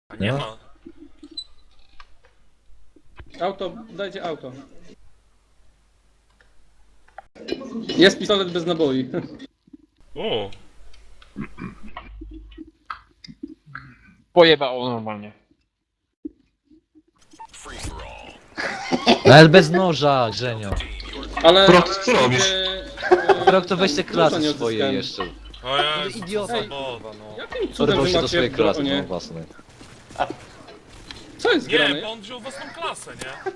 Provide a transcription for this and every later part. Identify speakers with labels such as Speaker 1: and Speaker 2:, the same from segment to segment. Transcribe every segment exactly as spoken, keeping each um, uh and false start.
Speaker 1: A nie
Speaker 2: No.
Speaker 1: ma.
Speaker 3: Auto, dajcie auto. Jest pistolet bez naboi.
Speaker 1: O,
Speaker 4: Pojebało normalnie.
Speaker 2: Ale bez noża, Grzenio.
Speaker 3: Ale...
Speaker 5: Prok, co robisz?
Speaker 2: Prok to weź te
Speaker 3: ten,
Speaker 2: klasy
Speaker 3: nie
Speaker 2: swoje
Speaker 3: odzyskałem.
Speaker 2: jeszcze.
Speaker 1: o Jezu, co
Speaker 2: idiota.
Speaker 1: za
Speaker 3: Ej.
Speaker 1: bowa, no.
Speaker 3: Jakim cudem
Speaker 2: Porwał
Speaker 3: wy
Speaker 2: się do
Speaker 3: macie
Speaker 2: swojej klasy,
Speaker 3: bronie?
Speaker 2: no własnej.
Speaker 3: Co jest
Speaker 1: Nie,
Speaker 3: grane?
Speaker 1: bo on wziął własną klasę, nie?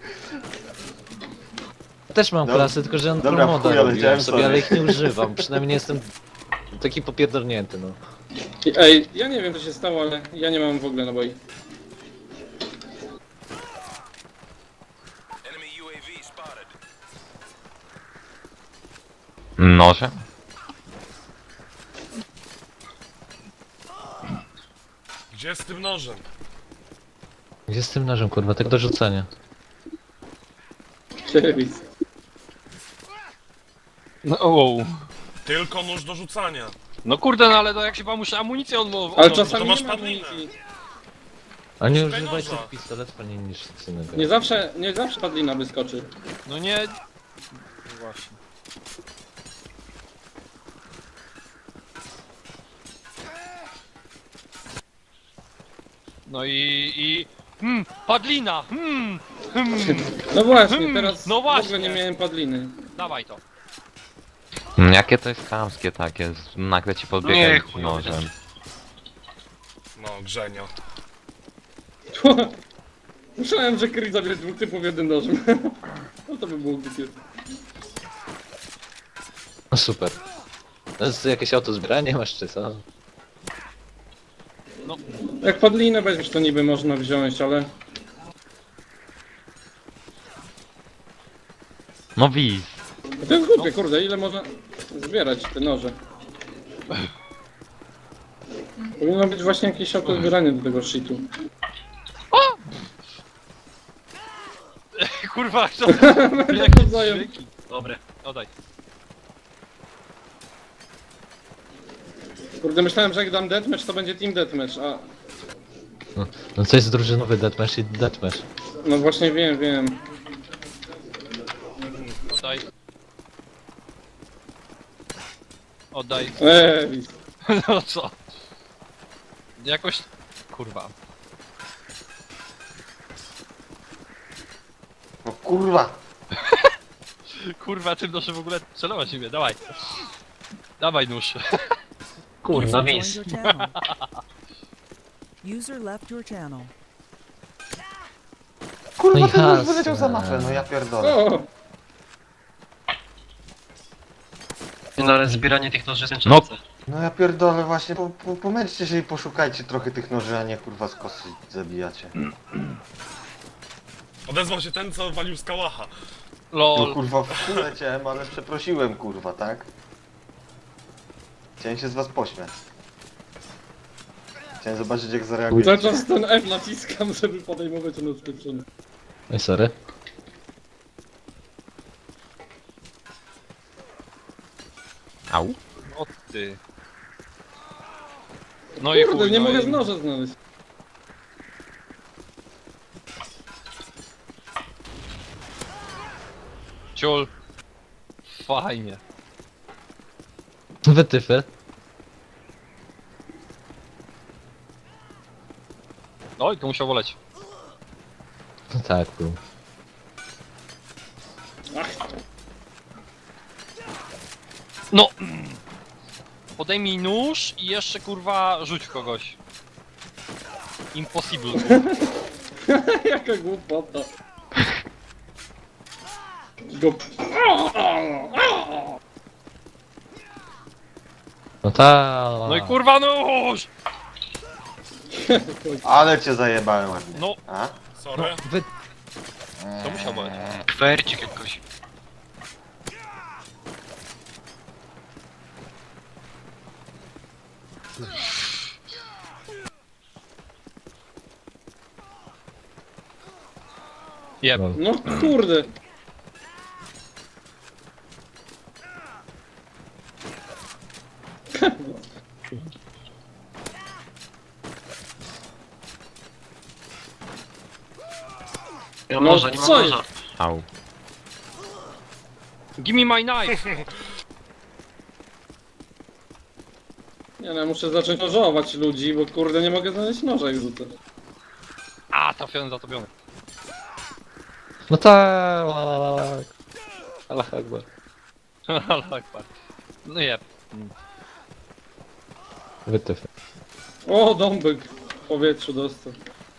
Speaker 2: Ja też mam
Speaker 5: Dobra.
Speaker 2: klasy, tylko że on
Speaker 5: Dobra,
Speaker 2: promoda
Speaker 5: w chuja
Speaker 2: robiłem
Speaker 5: leciałem
Speaker 2: sobie,
Speaker 5: sobie.
Speaker 2: ale ich nie używam. Przynajmniej nie jestem taki popierdolnięty, no.
Speaker 3: Ej, ja nie wiem co się stało, ale ja nie mam w ogóle naboi.
Speaker 6: Noże?
Speaker 1: Gdzie z tym nożem?
Speaker 2: Gdzie z tym nożem, kurwa, tak do rzucenia.
Speaker 3: Serwis.
Speaker 4: No, wow.
Speaker 1: Tylko nóż do rzucania.
Speaker 4: No kurde, no ale to jak się wam muszę amunicję odmówić.
Speaker 3: Ale
Speaker 1: to
Speaker 3: czasami
Speaker 1: masz
Speaker 3: nie ma
Speaker 1: padlinę.
Speaker 3: amunicji.
Speaker 2: A nie
Speaker 1: Szukaj
Speaker 2: używajcie
Speaker 1: noża.
Speaker 2: pistoletu, nie niż nic innego.
Speaker 3: Nie zawsze, nie zawsze padlina wyskoczy.
Speaker 4: No nie... No właśnie. No i... i... Hmm, padlina! Hmm, hmm,
Speaker 3: No właśnie,
Speaker 4: Hmm,
Speaker 3: teraz
Speaker 4: no
Speaker 3: w ogóle
Speaker 4: właśnie.
Speaker 3: nie miałem padliny.
Speaker 4: dawaj to.
Speaker 6: Mm, Jakie to jest chamskie takie, z- nagle ci
Speaker 4: Nie,
Speaker 6: podbiegać
Speaker 4: chujowe
Speaker 6: nożem.
Speaker 1: No, Grzenio.
Speaker 3: Myślałem, że Chris zabierze dwóch typów jednym nożem. No to by było głupie.
Speaker 2: No super. To jest jakieś auto zbieranie masz czy co?
Speaker 3: Jak padlinę weźmiesz to niby można wziąć, ale...
Speaker 6: No wiz.
Speaker 3: To jest głupie, kurde, ile można zbierać te noże? Powinno być właśnie jakieś auto zbieranie do tego shitu.
Speaker 4: Kurwa, to...
Speaker 3: Jakie wzajem.
Speaker 4: Dobre, oddaj.
Speaker 3: Kurde, myślałem, że jak dam deathmatch, to będzie team deathmatch, a...
Speaker 2: No, no co jest drużynowy deathmatch i deathmatch.
Speaker 3: No właśnie wiem, wiem.
Speaker 4: Oddaj. Oddaj.
Speaker 3: Eee,
Speaker 4: No co? Jakoś... Kurwa.
Speaker 5: No kurwa!
Speaker 4: Kurwa, tym noszę w ogóle celować siebie, dawaj. Dawaj nóż.
Speaker 2: Kurwa,
Speaker 7: User
Speaker 2: wiz.
Speaker 7: joined your channel. User left your channel.
Speaker 5: Kurwa,
Speaker 2: No i
Speaker 5: ten już
Speaker 2: jasne.
Speaker 5: wyleciał za mapę, no ja pierdolę.
Speaker 3: o!
Speaker 8: No ale zbieranie tych noży jest
Speaker 6: No.
Speaker 8: męczące.
Speaker 5: No ja pierdolę właśnie, po, po, pomęczcie się i poszukajcie trochę tych noży, a nie kurwa z kosy zabijacie.
Speaker 1: Odezwał się ten, co walił z kałacha.
Speaker 5: No
Speaker 4: Lol.
Speaker 5: kurwa, w chuj leciałem, ale przeprosiłem kurwa, tak? Chciałem się z was pośmiać. Chciałem zobaczyć jak
Speaker 3: Cały
Speaker 5: zareagujecie.
Speaker 3: czas ten F naciskam, żeby podejmować ten odskoczony.
Speaker 2: Ej, sorry.
Speaker 6: Au.
Speaker 4: O ty. No i
Speaker 3: Kurde,
Speaker 4: chuj,
Speaker 3: nie
Speaker 4: no
Speaker 3: mogę
Speaker 4: i...
Speaker 3: z noża znaleźć.
Speaker 4: Ciul. Fajnie.
Speaker 2: Wytyfy.
Speaker 4: No i to musiał woleć.
Speaker 2: No tak, był.
Speaker 4: No! Podejmij nóż i jeszcze kurwa rzuć w kogoś. Impossible.
Speaker 3: Jaka głupota. Go...
Speaker 2: No ta.
Speaker 4: No i kurwa nóż!
Speaker 5: Ale cię zajebałem ładnie.
Speaker 4: No,
Speaker 5: A?
Speaker 1: Sorry.
Speaker 2: Wy...
Speaker 4: to musiał boleć.
Speaker 8: Kwercik jakoś.
Speaker 4: Jeb.
Speaker 2: Lol.
Speaker 3: No kurde.
Speaker 8: Nie mam
Speaker 3: No,
Speaker 8: noża, nie mam
Speaker 3: co
Speaker 8: noża.
Speaker 6: Au.
Speaker 4: Give me my knife!
Speaker 3: Nie no, ja muszę zacząć nożować ludzi, bo kurde nie mogę znaleźć noża jak rzucę.
Speaker 4: A, trafiony, zatopiony.
Speaker 2: No tak. Allah Akbar.
Speaker 4: Allah Akbar. No jeb.
Speaker 2: Wytyfy.
Speaker 3: O, dąbek w powietrzu dostał.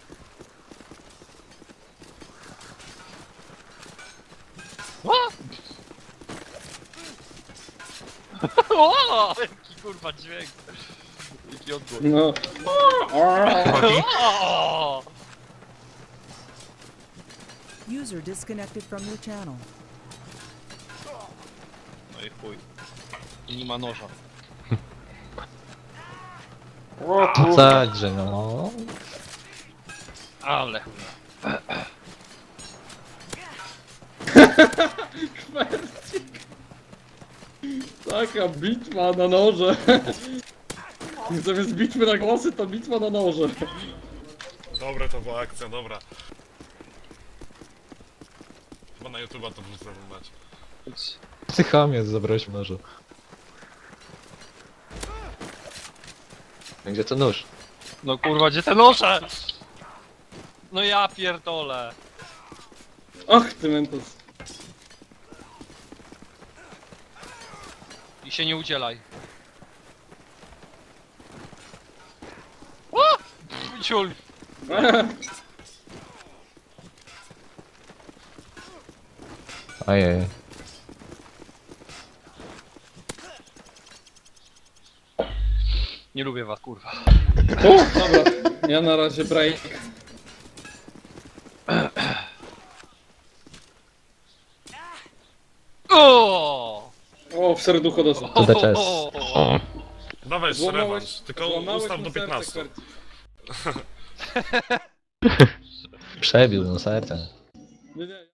Speaker 4: O, jaki kurwa dźwięk. Jaki odgłos.
Speaker 3: No.
Speaker 4: O!
Speaker 7: User disconnected from your channel.
Speaker 4: No i chuj. I nie ma noża.
Speaker 3: O,
Speaker 2: Także no.
Speaker 4: Ale.
Speaker 3: taka bitwa na noże. Zamiast bitwy na głosy, to bitwa na noże.
Speaker 1: Dobra, to była akcja, dobra. Chyba na YouTube'a to wrzucę mać.
Speaker 2: Psychamie, zabrałeś nożu. Gdzie to nóż?
Speaker 4: No kurwa, gdzie te noże? No ja pierdolę.
Speaker 3: Ach, ty mentos.
Speaker 4: I się nie udzielaj. O! Pff, ciul.
Speaker 2: Ojej.
Speaker 4: Nie lubię was, kurwa.
Speaker 3: O, dobra, ja na razie break.
Speaker 4: O!
Speaker 3: O, w serducho dostał.
Speaker 2: To da czas.
Speaker 6: O.
Speaker 1: Dawaj jeszcze
Speaker 3: Złamałeś-
Speaker 1: rewanż, tylko
Speaker 3: złamałeś
Speaker 1: ustaw
Speaker 3: mu
Speaker 1: do
Speaker 3: serce,
Speaker 1: piętnastu.
Speaker 3: Kwerci.
Speaker 2: Przebił no serce.
Speaker 3: Nie, nie.